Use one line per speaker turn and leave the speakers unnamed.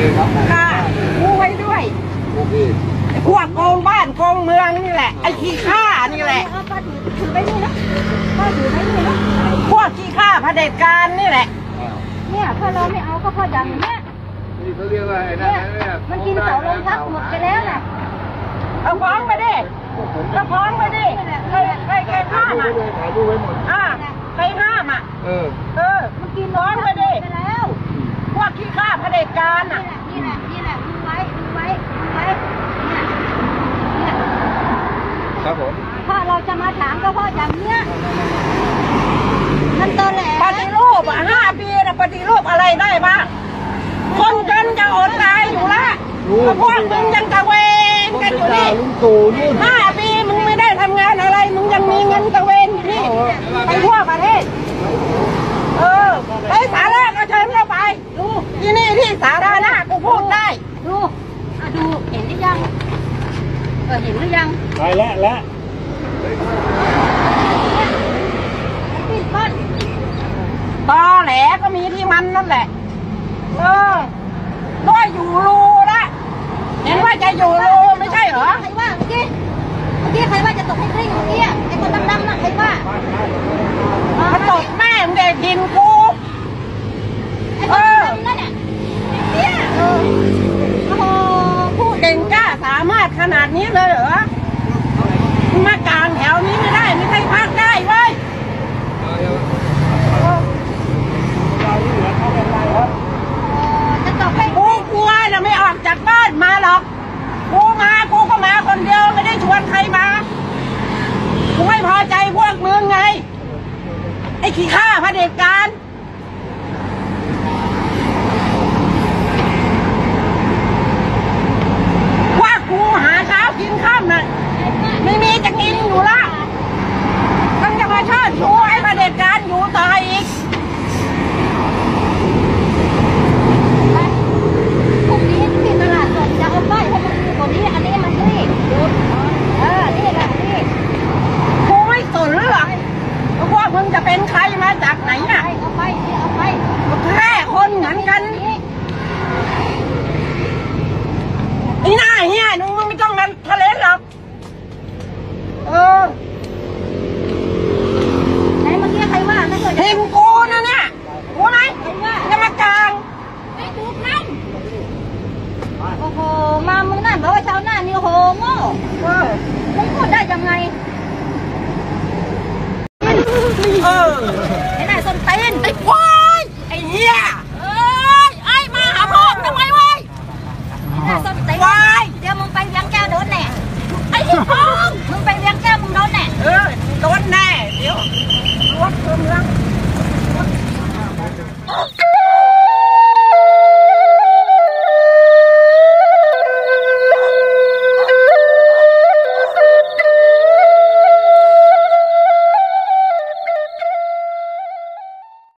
ค่ะกูไว้ด้วยพวกโกงบ้านโกงเมืองนี่แหละไอ้ขี้ข้านี่แหละถือไปนี่นะพ่อถือไปนี่นะพวกขี้ข้าเผด็จการนี่แหละเนี่ยถ้าเราไม่เอาก็พออย่างเนี้ย
นี่เขาเรียกว่าไอ้นั่นเนี่ย
มันกินเสาลงพักหมดไปแล้วน่ะเอาฟ้องไปดิก็ฟ้องไปดิใครห้ามอ่ะ
ถ่ายรูปไว้หมด
ใครห้ามอ่ะมันกินฟ้องไปดิพวกขี้ข้าเผด็จการอ่ะนี่แหละดูไว้เนี่ย
ครับผม
ถ้าเราจะมาถามก็เพราะอย่างเนี้ยมันตอนแหลปฏิรูป5 ปีนะปฏิรูปอะไรได้บ้างคนจนจะอดตายอยู่ละพวกมึงยังตะเวนกันอยู่นี่5 ปีมึงไม่ได้ทำงานอะไรมึงยังมีเงินตะเวนอยู่นี่ไปทั่วประเทศไปสาระก็เชิญเข้าไปดูที่นี่ที่สาธารณะกูพูดได้ดูเห็นหรือยังเห็นหรือยัง
ไปแล้ว
ตอแหลก็มีที่มันนั่นแหละด้วยอยู่รูละเห็นว่าจะอยู่รูไม่ใช่เหรอใครว่าเมื่อกี้ใครว่าจะตกให้กลิ้งเมื่อกี้ไอ้คนดำๆน่ะใครว่ามันตกแม่งเด็กดินกูไอ้คนดำนั่นเนี่ยโอ้โหพูดเก่งกล้าสามารถขนาดนี้เลยเหรอมากลางแถวนี้ไม่ได้ไม่ใช่พักได้เว้ยกูกลัวนะไม่ออกจากบ้านมาหรอกกูก็มาคนเดียวไม่ได้ชวนใครมากูไม่พอใจพวกมึงไงไอ้ขี้ข้าเผด็จการว่ากูหาเช้ากินข้ามน่ะไม่มีจะกินอยู่ละต้องจะมาเชิดชูไอ้เผด็จการอยู่ต่ออีกพรุ่งนี้ที่ตลาดสดจะเอาป้ายให้มันดูกว่านี้อันนี้มันนี่ดูนี่แหละนี่กูไม่สนหรอกพวกมึงจะเป็นใครมาจากไหนน่ะเอาไปแค่คนเหมือนกันไอ้หน้าเฮียมึงไม่ต้องกันทะเลหรอกไหนเมื่อกี้ใครว่าเห็นกูนะเนี่ยกูไหนจะมากลางไม่ถูกนั่นโอ้โหมามึงนั่นบอกว่าชาวหน้านี่โอ้โหโง่มึงพูดได้ยังไงไอ้หน้าส้นตีนไอ้ควา